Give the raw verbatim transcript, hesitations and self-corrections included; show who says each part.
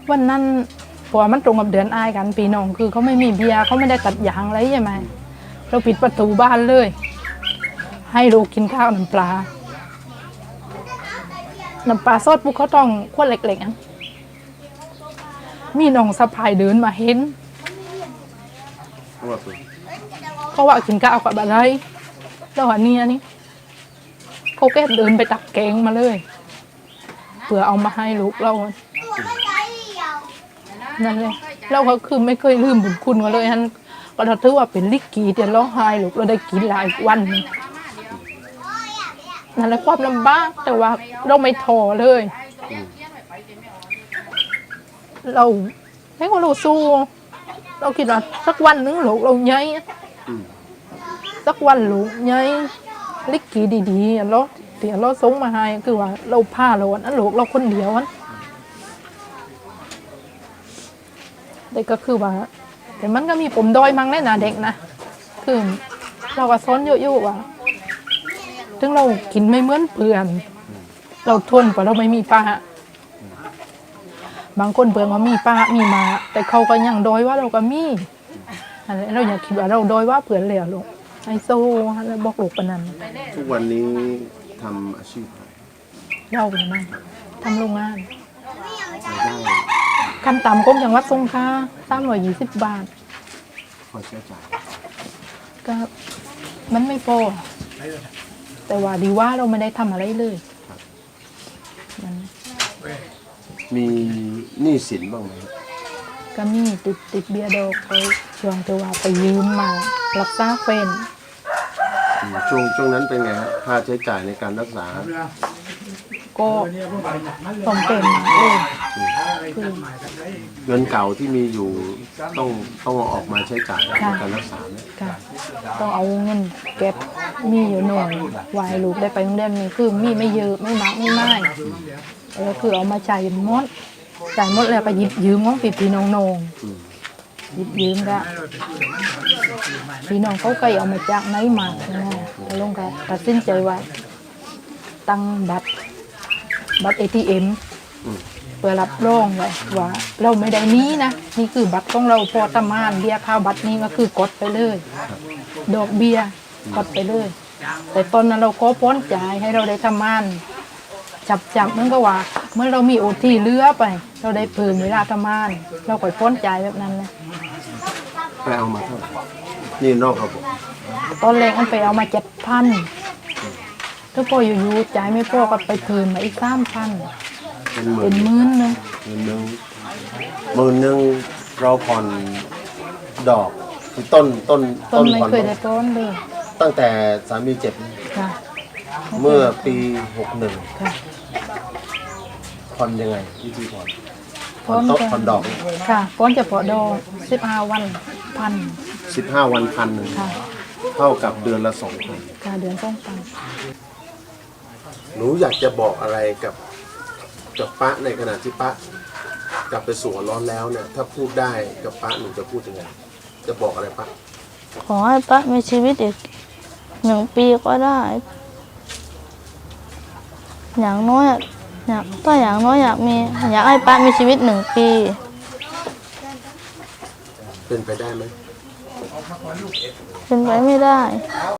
Speaker 1: วันนั้นพอมันตรงกับเดือนอายกันปีน้องคือเขาไม่มีเบียร์เขาไม่ได้ตัดยางอะไรใช่ไหมเราปิดประตูบ้านเลยให้ลูกกินข้าวน้ำปลาน้ำปลาซอสปุ๊กเขาต้องขวดเล็กๆอ่ะมีน้องสะพายเดินมาเห็นเขาว่ากินข้าวกับอะไรแล้วอันนี้อันนี้เขาแค่เดินไปตักแกงมาเลยเพื่อเอามาให้ลูกเรานั่นเลยเราก็คือไม่เคยลืมบุญคุณกันเลยฮันก็ถือว่าเป็นลิกีเดี๋ยวร้องไห้ลูกเราได้กินหลายวันนั่นแหละความลำบากแต่ว่าเราไม่ท้อเลยเราให้ว่าเราสู้เราคิดว่าสักวันนึงลูกเราใหญ่สักวันลูกใหญ่ลิกีดีๆเราเดี๋ยวเราส่งมาให้คือว่าเราผ้าเราอันนั้นลูกเราคนเดียวอันแต่ก็คือว่าแต่มันก็มีผมดอยมั้งแน่นะเด็กนะคือเราก็ซ้อนเยอะๆว่าถึงเรากินไม่เหมือนเพื่อนเราทนกว่าเราไม่มีป้าบางคนเพื่อนว่ามีป้ามีมาแต่เขาก็ยังดอยว่าเราก็มีอะไรเราอยากคิดว่าเราดอยว่าเพื่อนเลยลูกไอโซ่แล้วบอกลูกปนัน
Speaker 2: ทุกวันนี้ทำอาชีพ
Speaker 1: เราเป็นไงทำโรงงาน
Speaker 2: ได้
Speaker 1: ขั้นต่ำกรมจังหวัดสงขลาสามร้อยยี่สิบบาท
Speaker 2: พอใช้จ่าย
Speaker 1: ก็มันไม่พอแต่ว่าดีว่าเราไม่ได้ทำอะไรเลย
Speaker 2: มีหนี้สินบ้างไหม
Speaker 1: ก็มีติดติดเบียร์ดอกเขาช่วงที่ว่าไปยืมมารักษาเฟน
Speaker 2: ช่วงช่วงนั้นเป็นไงครับค่าใช้จ่ายในการรักษา
Speaker 1: ก็ต้องเป็นมาเลย
Speaker 2: เงินเก่าที่มีอยู่ต้องต้องออกมาใช้จ่ายในการรักษาเนี่ย
Speaker 1: ต้องเอาเงินเก็บมีอยู่หน่อยวายลูกได้ไปโรงเรียนนี่คือมีไม่เยอะไม่มากไม่มากแล้วคือเอามาจ่ายหมดจ่ายหมดแล้วก็หยิบยืมของพี่พี่น้องๆหยิบยืมก็พี่น้องเขาเคยเอามาจากไหนมานะลงกันตัดสินใจว่าตั้งบัตรบัตร เอ ที เอ็ม เพื่อรับรองไว้ว่าเราไม่ได้นี้นะนี่คือบัตรของเราพอตามานเบี้ยค่าบัตรนี้ก็คือกดไปเลยดอกเบี้ยกดไปเลยแต่ตอนนั้นเราขอพ้นจ่ายให้เราได้ทำงานจับจับมันก็ว่าเมื่อเรามีโอทีเลือไปเราได้เพิ่มเวลาทำงานเราก็พ้นจ่ายแบบนั้นเลย
Speaker 2: ไปเอามาเท่าไหร่นี่นอกระบบ
Speaker 1: ตอนแรกมันไปเอามาเจ็ดพันถ้าพออยู่ๆจ่ายไม่พอก็ไปเพิ่มมาอีกสามพันเป็นหมื่นนึง
Speaker 2: หมื่นนึงหมื่นนึงเราผ่อนดอกคือต้นต้น
Speaker 1: ต้นไม่เคยได้ต้นเลย
Speaker 2: ตั้งแต่สามีเจ็บเมื่อปีหกหนึ่งผ่อนยังไงวิธีผ่อนผ่อนต้นผ่อนดอก
Speaker 1: ค่ะผ่อนจะผ่อนดอกสิบห้าวันพัน
Speaker 2: สิบห้าวันพันหนึ่งเท่ากับเดือนละสองพัน
Speaker 1: ค่ะเดือนสองพัน
Speaker 2: หนูอยากจะบอกอะไรกับกับป้าในขณะที่ป้ากลับไปสู่ร้อนแล้วเนี่ยถ้าพูดได้กับป้าหนูจะพูดยังไงจะบอกอะไรป้า
Speaker 3: ขอให้ป้ามีชีวิตอีกหนึ่งปีก็ได้อย่างน้อยอยากถ้าอย่างน้อยอยากมีอยากให้ป้ามีชีวิตหนึ่งปี
Speaker 2: เป็นไปได้ไหม
Speaker 3: เป็นไปไม่ได้